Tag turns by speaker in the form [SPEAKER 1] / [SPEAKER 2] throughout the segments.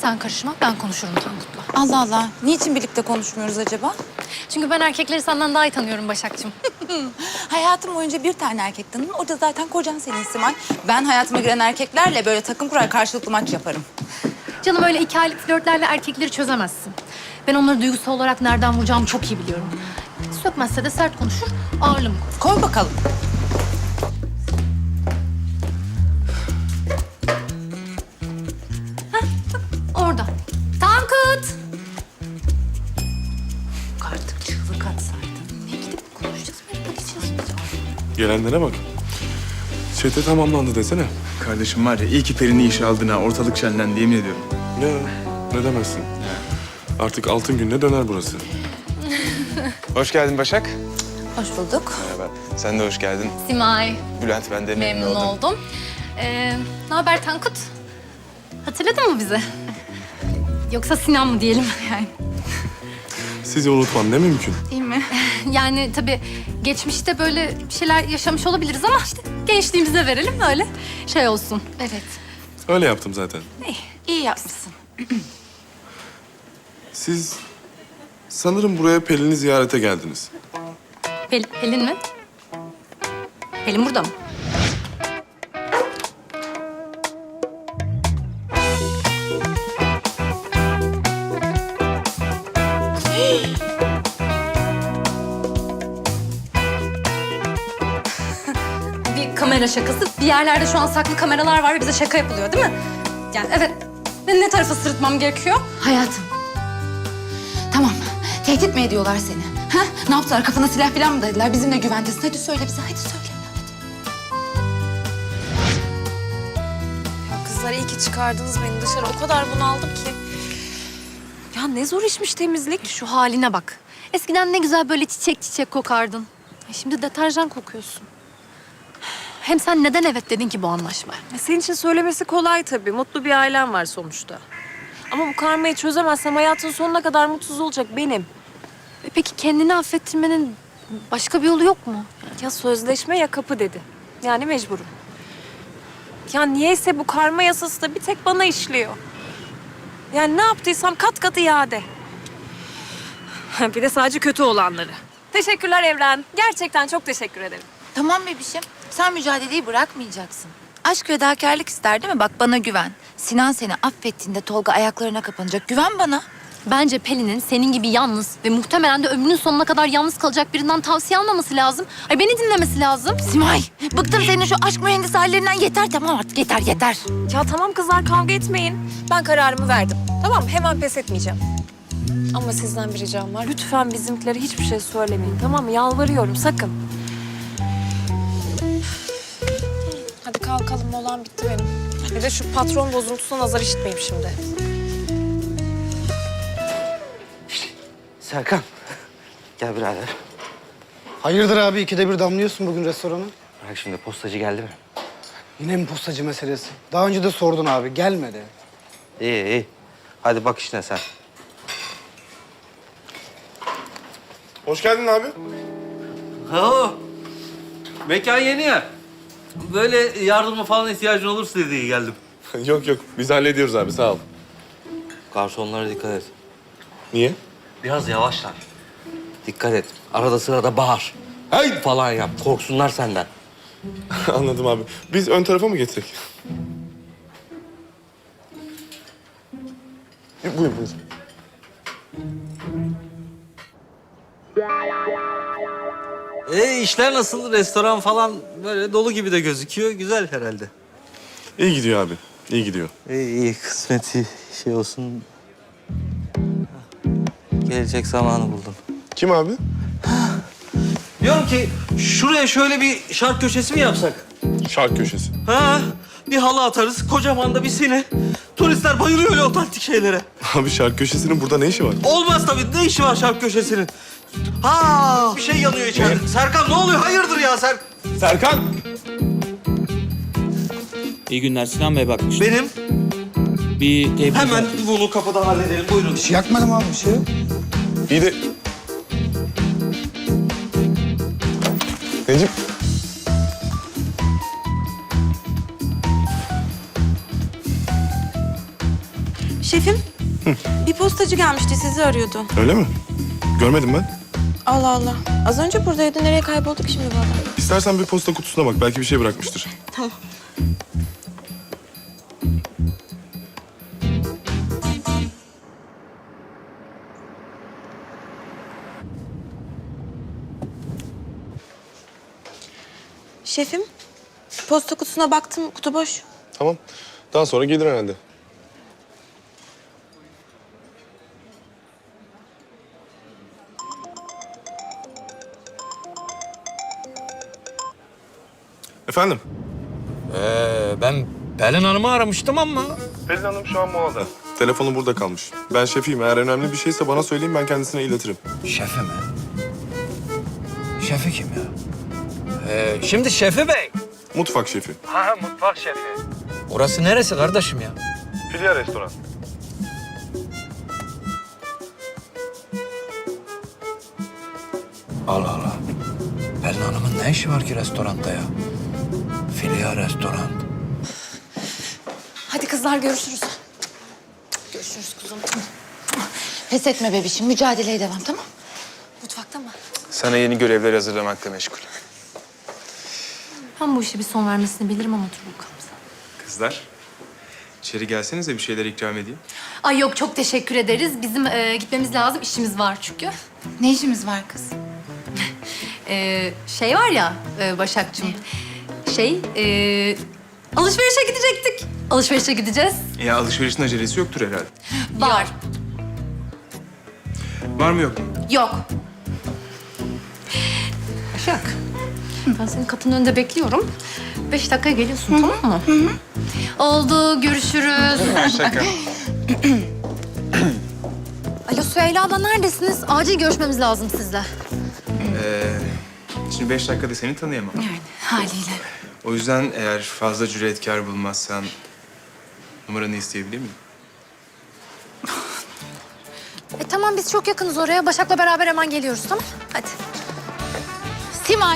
[SPEAKER 1] Sen karışma, ben konuşurum Tankut'la.
[SPEAKER 2] Allah Allah. Niçin birlikte konuşmuyoruz acaba?
[SPEAKER 1] Çünkü ben erkekleri senden daha iyi tanıyorum Başak'cığım.
[SPEAKER 2] Hayatım boyunca bir tane erkek tanıdım. O da zaten kocan senin Simay. Ben hayatıma giren erkeklerle böyle takım kurar karşılıklı maç yaparım.
[SPEAKER 1] Canım öyle 2 aylık flörtlerle erkekleri çözemezsin. Ben onları duygusal olarak nereden vuracağımı çok iyi biliyorum. Sökmezse de sert konuşur, ağırlığımı koy.
[SPEAKER 2] Koy bakalım.
[SPEAKER 1] Orada. Tankut!
[SPEAKER 2] Artık çığlık atsaydın.
[SPEAKER 1] Ne gidip konuşacağız, böyle bakacağız.
[SPEAKER 3] Gelenlere bak. Çete tamamlandı desene.
[SPEAKER 4] Kardeşim var ya iyi ki Peri'ni işe aldın ha. Ortalık şenlendi yemin ediyorum.
[SPEAKER 3] Ya ne demezsin. Artık altın gününe döner burası.
[SPEAKER 4] Hoş geldin Başak.
[SPEAKER 2] Hoş bulduk.
[SPEAKER 4] Merhaba. Sen de hoş geldin.
[SPEAKER 1] Simay,
[SPEAKER 4] Bülent ben de
[SPEAKER 1] memnun oldum. Ne haber Tankut? Hatırladın mı bizi? Yoksa Sinan mı diyelim yani?
[SPEAKER 3] Sizi unutmam ne mümkün.
[SPEAKER 2] Değil mi?
[SPEAKER 1] Yani tabii geçmişte böyle bir şeyler yaşamış olabiliriz ama işte gençliğimize verelim öyle şey olsun.
[SPEAKER 2] Evet.
[SPEAKER 3] Öyle yaptım zaten.
[SPEAKER 2] İyi yapmışsın.
[SPEAKER 3] Siz sanırım buraya Pelin'i ziyarete geldiniz.
[SPEAKER 1] Pelin mi? Pelin burada mı? Bir kamera şakası. Bir yerlerde şu an saklı kameralar var ve bize şaka yapılıyor değil mi? Yani evet. Ne tarafa sırıtmam gerekiyor?
[SPEAKER 2] Hayatım. Tamam. Tehdit mi ediyorlar seni? Ha? Ne yaptılar? Kafana silah falan mı dayadılar? Bizimle güventesin. Hadi söyle bize. Hadi söyle.
[SPEAKER 5] Ya kızlar iyi ki çıkardınız beni dışarı. O kadar bunaldım ki. Ya ne zor işmiş temizlik.
[SPEAKER 1] Şu haline bak. Eskiden ne güzel böyle çiçek çiçek kokardın. Şimdi deterjan kokuyorsun. Hem sen neden evet dedin ki bu anlaşmaya?
[SPEAKER 5] Senin için söylemesi kolay tabii. Mutlu bir ailem var sonuçta. Ama bu karmayı çözemezsem hayatın sonuna kadar mutsuz olacak benim.
[SPEAKER 1] Peki kendini affettirmenin başka bir yolu yok mu?
[SPEAKER 5] Ya sözleşme ya kapı dedi. Yani mecburum. Ya niyeyse bu karma yasası da bir tek bana işliyor. Yani ne yaptıysam kat kat iade. Bir de sadece kötü olanları. Teşekkürler Evren. Gerçekten çok teşekkür ederim.
[SPEAKER 2] Tamam bebişim. Sen mücadeleyi bırakmayacaksın. Aşk fedakarlık ister değil mi? Bak bana güven. Sinan seni affettiğinde Tolga ayaklarına kapanacak. Güven bana.
[SPEAKER 1] Bence Pelin'in senin gibi yalnız ve muhtemelen de ömrünün sonuna kadar yalnız kalacak birinden tavsiye almaması lazım. Ay beni dinlemesi lazım.
[SPEAKER 2] Simay, bıktım senin şu aşk mühendisi hallerinden. Yeter tamam artık yeter.
[SPEAKER 5] Ya tamam kızlar kavga etmeyin. Ben kararımı verdim. Tamam hemen pes etmeyeceğim. Ama sizden bir ricam var. Lütfen bizimkilere hiçbir şey söylemeyin. Tamam mı? Yalvarıyorum sakın. Hadi kalkalım molam bitti benim. Bir de şu patron bozuntusuna nazar işitmeyeyim şimdi.
[SPEAKER 6] Serkan, gel birader.
[SPEAKER 7] Hayırdır abi ikide bir damlıyorsun bugün restorana?
[SPEAKER 6] Bak şimdi postacı geldi mi?
[SPEAKER 7] Yine mi postacı meselesi? Daha önce de sordun abi gelmedi.
[SPEAKER 6] İyi. Hadi bak işine sen.
[SPEAKER 3] Hoş geldin abi.
[SPEAKER 8] Oo, mekan yeni ya. Böyle yardıma falan ihtiyacın olursa diye geldim.
[SPEAKER 3] Yok biz hallediyoruz abi sağ ol.
[SPEAKER 6] Garsonlara dikkat et.
[SPEAKER 3] Niye?
[SPEAKER 6] Biraz yavaşlar. Dikkat et. Arada sırada bağır.
[SPEAKER 3] Hey!
[SPEAKER 6] Falan yap. Korksunlar senden.
[SPEAKER 3] Anladım abi. Biz ön tarafa mı geçsek? Buyur.
[SPEAKER 8] İşler nasıl? Restoran falan böyle dolu gibi de gözüküyor. Güzel herhalde.
[SPEAKER 3] İyi gidiyor abi. İyi gidiyor.
[SPEAKER 6] İyi kısmeti şey olsun. Gelecek zamanı buldum.
[SPEAKER 3] Kim abi?
[SPEAKER 8] Diyorum ki şuraya şöyle bir şark köşesi mi yapsak?
[SPEAKER 3] Şark köşesi.
[SPEAKER 8] Ha? Bir halı atarız, kocaman da bir sine. Turistler bayılıyor öyle otantik şeylere.
[SPEAKER 3] Abi şark köşesinin burada ne işi var?
[SPEAKER 8] Olmaz tabii. Ne işi var şark köşesinin? Ha, bir şey yanıyor içeride. Serkan ne oluyor? Hayırdır ya
[SPEAKER 3] Serkan!
[SPEAKER 9] İyi günler Sinan Bey bakmış.
[SPEAKER 8] Benim.
[SPEAKER 9] Bir tebrik
[SPEAKER 8] Hemen bunu kapıda halledelim. Buyurun.
[SPEAKER 7] Bir şey yakmadım abi bir şey yok.
[SPEAKER 3] İyi de... Necip.
[SPEAKER 10] Şefim, bir postacı gelmişti, sizi arıyordu.
[SPEAKER 3] Öyle mi? Görmedim ben.
[SPEAKER 10] Allah Allah. Az önce buradaydı, nereye kaybolduk şimdi bu adam?
[SPEAKER 3] İstersen bir posta kutusuna bak. Belki bir şey bırakmıştır.
[SPEAKER 10] Tamam. Şefim, posta kutusuna baktım, kutu boş.
[SPEAKER 3] Tamam. Daha sonra gelir herhalde. Efendim?
[SPEAKER 11] Ben Pelin Hanım'ı aramıştım ama...
[SPEAKER 3] Pelin Hanım şu an molada. Telefonu burada kalmış. Ben şefiyim. Eğer önemli bir şeyse bana söyleyin, ben kendisine iletirim.
[SPEAKER 11] Şefi mi? Şefi kim ya? Şimdi Şefi Bey.
[SPEAKER 3] Mutfak şefi.
[SPEAKER 11] Ha, mutfak şefi. Orası neresi kardeşim ya?
[SPEAKER 3] Filya restoran.
[SPEAKER 11] Allah Allah. Pelin Hanım'ın ne işi var ki restoranda ya? Filya restoran.
[SPEAKER 2] Hadi kızlar görüşürüz. Görüşürüz kuzum. Pes etme bebişim. Mücadeleye devam, tamam? Mutfakta mı?
[SPEAKER 4] Sana yeni görevler hazırlamakla meşgul.
[SPEAKER 1] Ben bu işe bir son vermesini bilirim ama dur bakalım.
[SPEAKER 4] Kızlar, içeri gelsenize bir şeyler ikram edeyim.
[SPEAKER 1] Ay yok, çok teşekkür ederiz. Bizim gitmemiz lazım. İşimiz var çünkü.
[SPEAKER 2] Ne işimiz var kız?
[SPEAKER 1] Şey var ya Başak'cığım. Alışverişe gidecektik. Alışverişe gideceğiz.
[SPEAKER 4] Ya alışverişin acelesi yoktur herhalde.
[SPEAKER 1] Var.
[SPEAKER 4] Var mı yok mu?
[SPEAKER 1] Yok. Başak. Ben senin kapının önünde bekliyorum. 5 dakikaya geliyorsun, tamam mı? Oldu, görüşürüz.
[SPEAKER 4] Şaka.
[SPEAKER 1] Alo Süheyla abla, neredesiniz? Acil görüşmemiz lazım sizle.
[SPEAKER 4] Şimdi 5 dakikada seni tanıyamam.
[SPEAKER 2] Haliyle.
[SPEAKER 4] O yüzden eğer fazla cüretkar bulmazsan numaranı isteyebilir miyim?
[SPEAKER 1] Tamam, biz çok yakınız oraya. Başak'la beraber hemen geliyoruz, tamam? Hadi.
[SPEAKER 2] Simay.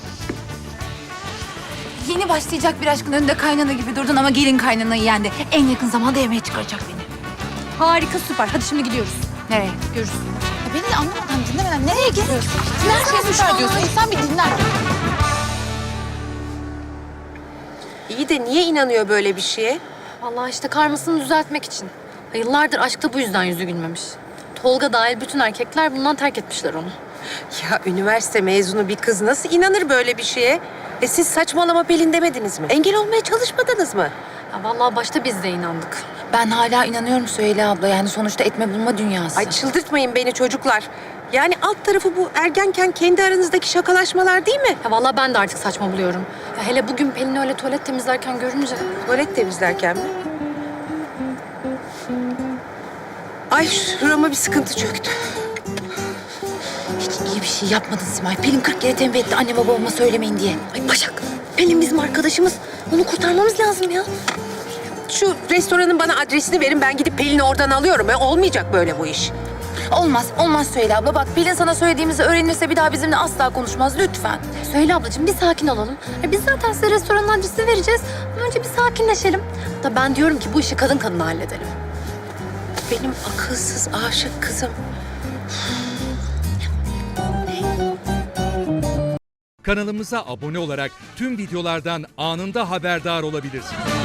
[SPEAKER 2] Yeni başlayacak bir aşkın önünde kaynana gibi durdun ama gelin kaynanayı yendi. En yakın zamanda yemeğe çıkaracak beni.
[SPEAKER 1] Harika, süper. Hadi şimdi gidiyoruz.
[SPEAKER 2] Nereye?
[SPEAKER 1] Görüşürüz.
[SPEAKER 2] Ya beni de anlamadan dinlemeden nereye gidiyorsun? Nereye süper diyorsun? İnsan bir dinler.
[SPEAKER 5] İyi de niye inanıyor böyle bir şeye?
[SPEAKER 1] Vallahi işte karmasını düzeltmek için. Yıllardır aşkta bu yüzden yüzü gülmemiş. Tolga dahil bütün erkekler bundan terk etmişler onu.
[SPEAKER 5] Ya üniversite mezunu bir kız nasıl inanır böyle bir şeye? Siz saçmalama Pelin demediniz mi? Engel olmaya çalışmadınız mı?
[SPEAKER 1] Ya vallahi başta biz de inandık.
[SPEAKER 2] Ben hala inanıyorum Süheyla abla. Yani sonuçta etme bulma dünyası.
[SPEAKER 5] Ay çıldırtmayın beni çocuklar. Yani alt tarafı bu ergenken kendi aranızdaki şakalaşmalar değil mi?
[SPEAKER 1] Ya vallahi ben de artık saçma buluyorum. Ya hele bugün Pelin'i öyle tuvalet temizlerken görünce...
[SPEAKER 5] Tuvalet temizlerken mi? Ay şurama bir sıkıntı çöktü.
[SPEAKER 2] Hiç iyi bir şey yapmadın Simay. Pelin 40 kere tembih etti anneme babama söylemeyin diye.
[SPEAKER 5] Ay Başak, Pelin bizim arkadaşımız. Onu kurtarmamız lazım ya. Şu restoranın bana adresini verin. Ben gidip Pelin'i oradan alıyorum. Olmayacak böyle bu iş.
[SPEAKER 2] Olmaz, olmaz Süheyla abla. Bak Pelin sana söylediğimizi öğrenirse bir daha bizimle asla konuşmaz. Lütfen.
[SPEAKER 1] Söyle ablacığım, bir sakin olalım. Ya biz zaten size restoranın adresini vereceğiz. Ama önce bir sakinleşelim. Da ben diyorum ki bu işi kadın kadına halledelim.
[SPEAKER 5] Benim akılsız aşık kızım.
[SPEAKER 12] Kanalımıza abone olarak tüm videolardan anında haberdar olabilirsiniz.